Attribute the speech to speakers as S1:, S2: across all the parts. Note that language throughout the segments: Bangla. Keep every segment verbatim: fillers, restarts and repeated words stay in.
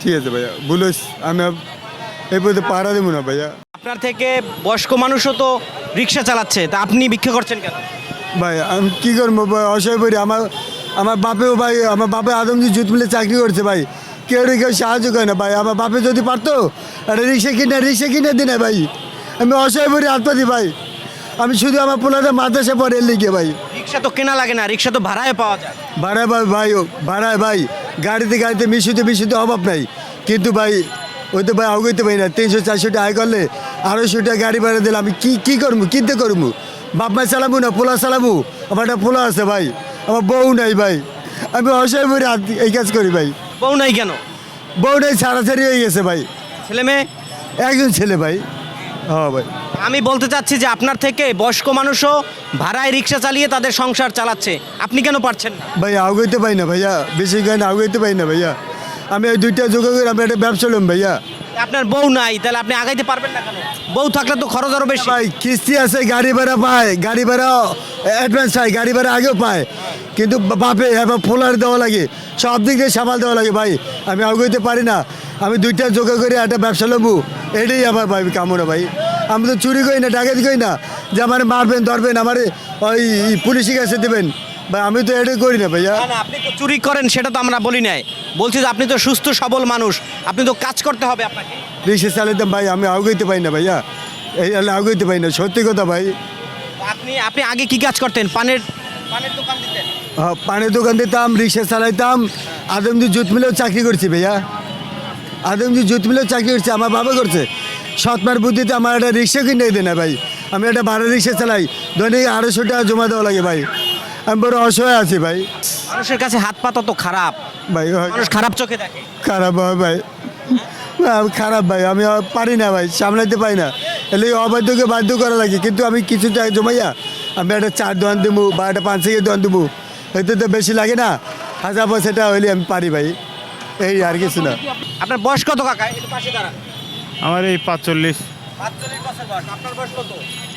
S1: ঠিক আছে ভাইয়া, বলিস আমি এই পথে পাহারা দেবো না ভাইয়া।
S2: আপনার থেকে বয়স্ক মানুষও তো রিক্সা চালাচ্ছে, তা আপনি ভিক্ষা করছেন কেন?
S1: ভাই আমি কী করবো ভাই, অসহায় পড়ি। আমার আমার বাপেও ভাই, আমার বাপে আদমজি জুত মিলে চাকরি করছে ভাই, কেউ না কেউ সাহায্য করে না ভাই। আমার বাপে যদি পারতো একটা রিক্সা কিনে রিক্সা কিনে দিনে ভাই, আমি অসহায় পড়ি আত্মপাতি ভাই। আমি শুধু আমার পোলাতে মাদ্রাসা পড়ে লিখে ভাই।
S2: রিক্সা তো কেনা লাগে না, রিক্সা তো ভাড়ায় পাওয়া যায়।
S1: ভাড়ায় ভাই ভাই ভাড়ায় ভাই, গাড়িতে গাড়িতে মিশুতে মিশুতে অভাব নাই, কিন্তু ভাই ওই তো ভাই আগাইতে পারি না। তিনশো চারশো টাকা আয় করলে আড়াইশো টাকা গাড়ি ভাড়া দিলে আমি কী কী করবো, কিনতে করবো? বাপ মায় চালাবো না, পোলা চালাবো? আমার একটা পোলা আছে ভাই, আমার বউ নাই ভাই। আমি অসহায় পড়ে এই কাজ করি ভাই।
S2: বউ নাই কেন?
S1: বউ নাই, ছাড়াছাড়ি হয়ে গেছে ভাই।
S2: ছেলে মেয়ে?
S1: একজন ছেলে ভাই। হ্যাঁ ভাই।
S2: আমি বলতে চাচ্ছি যে আপনার থেকে বয়স্ক মানুষও ভাড়ায় রিক্সা চালিয়ে তাদের সংসার চালাচ্ছে, আপনি কেন পারছেন না?
S1: ভাই আগাইতে পাই না ভাইয়া, বেশি গান আগাইতে পাই না ভাইয়া। আমি ওই দুইটা যোগা করে আমি একটা ব্যবসা লম ভাইয়া।
S2: আপনার বউ নাই, তাহলে আপনি আগাইতে পারবেন না কেন? বউ থাকলে তো খরচ আরো বেশি।
S1: ভাই কিস্তি আছে, গাড়ি ভাড়া পায়, গাড়ি ভাড়া অ্যাডভান্স পায়, গাড়ি ভাড়া আগেও পায়, কিন্তু বাপে এবার পোলার দেওয়া লাগে, সব দিক দিয়ে সামাল দেওয়া লাগে ভাই। আমি আগাইতে পারি না। আমি দুইটা যোগা করে একটা ব্যবসা লমু, এটাই আমার ভাই কামনা ভাই। আমি তো চুরি করি না, ডাকাতি করি না যে আমার মারবেন ধরবেন, আমার ওই পুলিশের কাছে দেবেন ভাই, আমি তো এটাই করি না ভাইয়া।
S2: না, না, আপনি তো চুরি করেন সেটা তো আমরা বলি নাই, বলছি যে আপনি তো সুস্থ সবল মানুষ, আপনি তো কাজ করতে হবে আপনাকে।
S1: রিক্সা চালাতাম ভাই, আমি আগাইতে পারি না ভাইয়া, এই আগাইতে পারি না, সত্যি কথা ভাই।
S2: আপনি আপনি আগে কি কাজ করতেন? পানের পানের দোকান দিতেন?
S1: হ্যাঁ, পানের দোকান দিতাম, রিক্সা চালাইতাম, আদমজি জুত মিলেও চাকরি করছি ভাইয়া। আদমজি জুত মিলেও চাকরি করছি, আমার বাবা করছে। সৎমার বুদ্ধিতে আমার একটা রিক্সা কিনে দেয় না ভাই। আমি একটা ভাড়া রিক্সা চালাই, দৈনিক আড়াইশো টাকা জমা দেওয়া লাগে ভাই। আমি বড় অসহায় আছি ভাই।
S2: মানুষের কাছে হাত পাতা তো খারাপ,
S1: ভাই
S2: মানুষ খারাপ চোখে দেখে।
S1: খারাপ হয় ভাই, আমি খারাপ ভাই, আমি আর পারি না ভাই, সামলাইতে পারি না। এলে অবাধ্যকে বাধ্য করা লাগে, কিন্তু আমি কিছু টাকা জমাইয়া আমি একটা চার দোকান দেবো বা একটা পাঁচ থেকে দোকান দেবো, এতে তো বেশি লাগে না, হাজার পয়সাটা হইলে আমি পারি ভাই, এই আর কিছু না।
S2: আপনার বয়স কত কাকা? একটু পাশে দাঁড়ান।
S3: আমার এই পাঁচচল্লিশ।
S2: পাঁচচল্লিশ বছর বয়স। আপনার বয়স কত?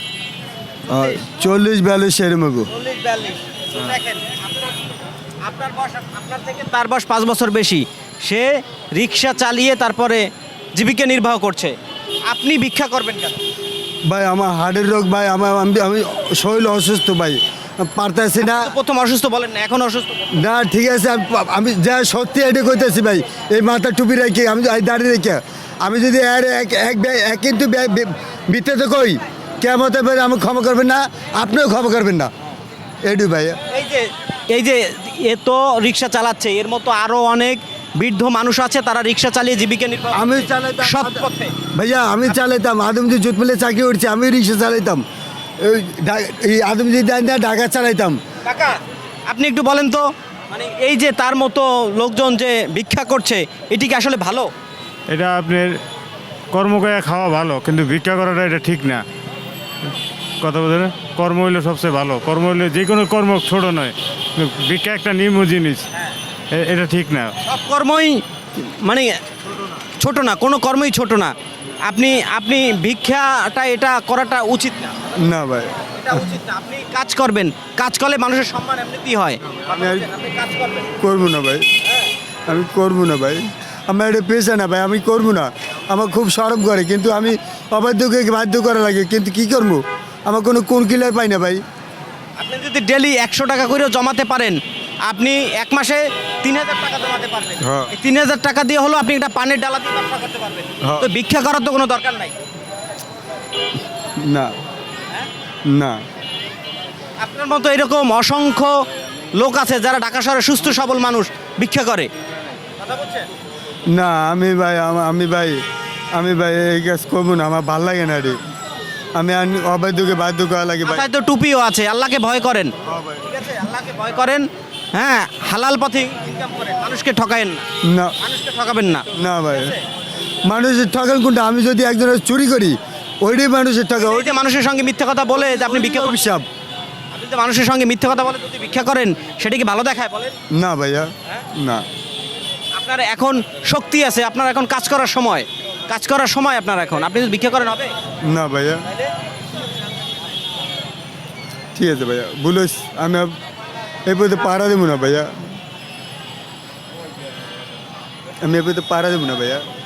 S1: চল্লিশ বিয়াল্লিশ সেরকম।
S2: চল্লিশ বিয়াল্লিশ। তো দেখেন, আপনার আপনার বয়স, আপনার থেকে তার বয়স পাঁচ বছর বেশি। সে রিক্সা চালিয়ে তারপরে জীবিকা নির্বাহ করছে, আপনি ভিক্ষা করবেন কেন?
S1: ভাই আমার হার্টের রোগ ভাই, আমার আমি আমি শরীর অসুস্থ ভাই, পারতেছি না।
S2: তো প্রথম অসুস্থ বলেন না, এখন অসুস্থ বলেন।
S1: না ঠিক আছে, আমি আমি যা সত্যি এটা করতেছি ভাই, এই মাথা টুপি রেখে আমি এই দাঁড়িয়ে রেখে আমি যদি আর এক এক ব্যা- এক কিন্তু বিতে কই কেমন ভাই, আমি ক্ষমা করবেন না, আপনিও ক্ষমা করবেন না, এটু ভাই।
S2: এই যে এই যে এ তো রিক্সা চালাচ্ছে, এর মতো আরো অনেক বৃদ্ধ মানুষ আছে, তারা রিক্সা চালিয়ে জীবিকা নির্বাহ
S1: আমি
S2: করছে।
S1: চালাইতাম
S2: সৎ পথে।
S1: ভাইয়া, আমি চালাইতাম, আদমজি জুত মিলে চাকরি করছি, আমি রিক্সা চালাইতাম, এই ঢা- এই আদমজি দেন না ঢাকা চালাইতাম।
S2: কাকা, আপনি একটু বলেন তো, মানে এই যে তার মতো লোকজন যে ভিক্ষা করছে, এটি কি আসলে ভালো?
S3: এটা আপনার কর্ম করে খাওয়া ভালো, কিন্তু ভিক্ষা করাটা এটা ঠিক না। কথা বলছেন, কর্ম হইলে সবচেয়ে ভালো। কর্ম হইলে যে কোনো কর্ম ছোট নয়, ভিক্ষা একটা নিম্ন জিনিস, এ- এটা ঠিক না।
S2: সব কর্মই মানে ছোট না, কোনো কর্মই ছোট না। আপনি আপনি ভিক্ষাটা এটা করাটা উচিত না,
S1: না ভাই,
S2: এটা উচিত না। আপনি কাজ করবেন, কাজ করলে মানুষের সম্মান এমনিতেই হয়।
S1: আমি আর
S2: আপনি কাজ করবেন।
S1: করবো না ভাই, আমি করবো না ভাই, আমার এটা পেশা না ভাই, আমি করবো না। আমার খুব সরব করে, কিন্তু আমি অবাধ্যকে বাধ্য করা লাগে, কিন্তু কি করবো, আমার কোনো কোন কিলার পাই না ভাই।
S2: আপনি যদি ডেলি একশো টাকা করেও জমাতে পারেন, আপনি এক মাসে তিন হাজার টাকা জমাতে পারবেন।
S1: হ্যাঁ।
S2: এই তিন হাজার টাকা দিয়ে হলো আপনি একটা পানের ডালা দিয়ে ব্যবসা করতে পারবেন।
S1: হ্যাঁ।
S2: তো ভিক্ষা করার তো কোনো দরকার নাই।
S1: না না,
S2: আপনার মতো এরকম অসংখ্য লোক আছে যারা ঢাকা শহরে সুস্থ সবল মানুষ ভিক্ষা করে। কথা বলছেন?
S1: না আমি ভাই, আমা- আমি ভাই আমি ভাই এই কাজ করবো না, আমার ভাল লাগে না রে, আমি আর অবাধ্যকে বাধ্য করা লাগে ভাই।
S2: মাথায় তো টুপিও আছে, আল্লাহকে ভয় করেন। ঠিক আছে, আল্লাহকে ভয় করেন, হ্যাঁ, হালাল পথে ইনকাম করেন, মানুষকে ঠকায়েন না,
S1: না
S2: মানুষকে ঠকাবেন না।
S1: না ভাই, মানুষের ঠকান কোনটা? আমি যদি একজনের চুরি করি, ওইটাই মানুষের টাকা,
S2: ওই যে মানুষের সঙ্গে মিথ্যা কথা বলে যে আপনি ভিক্ষা করবেন,
S1: অভিশাপ।
S2: আপনি যে মানুষের সঙ্গে মিথ্যা কথা বলে যদি ভিক্ষা করেন, সেটা কি ভালো দেখায় বলেন?
S1: না ভাইয়া, না
S2: আপনার এখন শক্তি আছে, আপনার এখন কাজ করার সময়, কাজ করার সময় আপনার এখন, আপনি যদি ভিক্ষা করেন হবে?
S1: না ভাইয়া, ঠিক আছে ভাইয়া, বলিস আমি আর এই পথে পাহারা দেবো না ভাইয়া। আমি এবার তো পারা দেবো না ভাইয়া